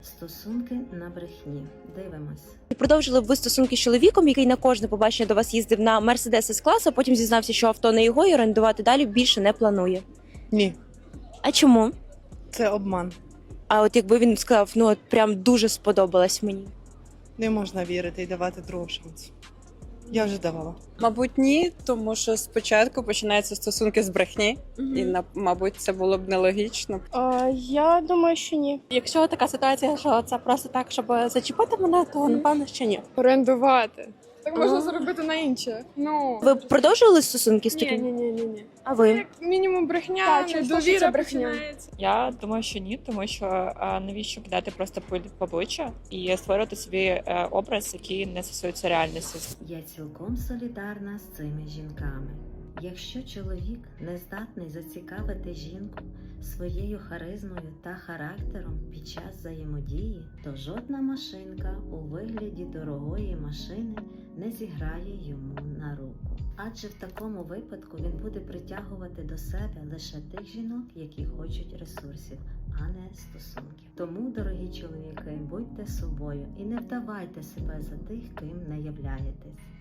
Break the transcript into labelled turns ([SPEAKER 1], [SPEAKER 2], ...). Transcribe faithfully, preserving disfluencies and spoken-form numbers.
[SPEAKER 1] Стосунки на брехні. Дивимось.
[SPEAKER 2] І продовжили б ви стосунки з чоловіком, який на кожне побачення до вас їздив на Мерседес С-клас, а потім зізнався, що авто не його і орендувати далі більше не планує.
[SPEAKER 3] Ні,
[SPEAKER 2] А чому?
[SPEAKER 3] це обман.
[SPEAKER 2] А от якби він сказав, ну от прям дуже сподобалась мені.
[SPEAKER 3] Не можна вірити і давати другого шансу. Я вже давала.
[SPEAKER 4] Мабуть, ні, тому що спочатку починаються стосунки з брехні,
[SPEAKER 2] Мгм.
[SPEAKER 4] і на- мабуть, це було б нелогічно.
[SPEAKER 5] А, я думаю, що ні.
[SPEAKER 6] Якщо така ситуація, що це просто так, щоб зачепити мене, то напевно що ні.
[SPEAKER 5] Орендувати. Так можна
[SPEAKER 2] Ага.
[SPEAKER 5] зробити на інше. Ну
[SPEAKER 2] Ви б продовжували стосунки з
[SPEAKER 5] ні,
[SPEAKER 2] таким?
[SPEAKER 5] ні, ні, ні, ні.
[SPEAKER 2] А ви?
[SPEAKER 5] Як мінімум брехня,
[SPEAKER 6] Так, через те, що
[SPEAKER 5] недовіра
[SPEAKER 6] це брехня.
[SPEAKER 5] починається.
[SPEAKER 7] Я думаю, що ні, тому що а, навіщо кидати просто пиль в обличчя і створювати собі е, образ, який не стосується реальності.
[SPEAKER 1] Я цілком солідарна з цими жінками. Якщо чоловік не здатний зацікавити жінку своєю харизмою та характером під час взаємодії, то жодна машинка у вигляді дорогої машини не зіграє йому на руку. Адже в такому випадку він буде притягувати до себе лише тих жінок, які хочуть ресурсів, а не стосунків. Тому, дорогі чоловіки, будьте собою і не вдавайте себе за тих, ким не являєтесь.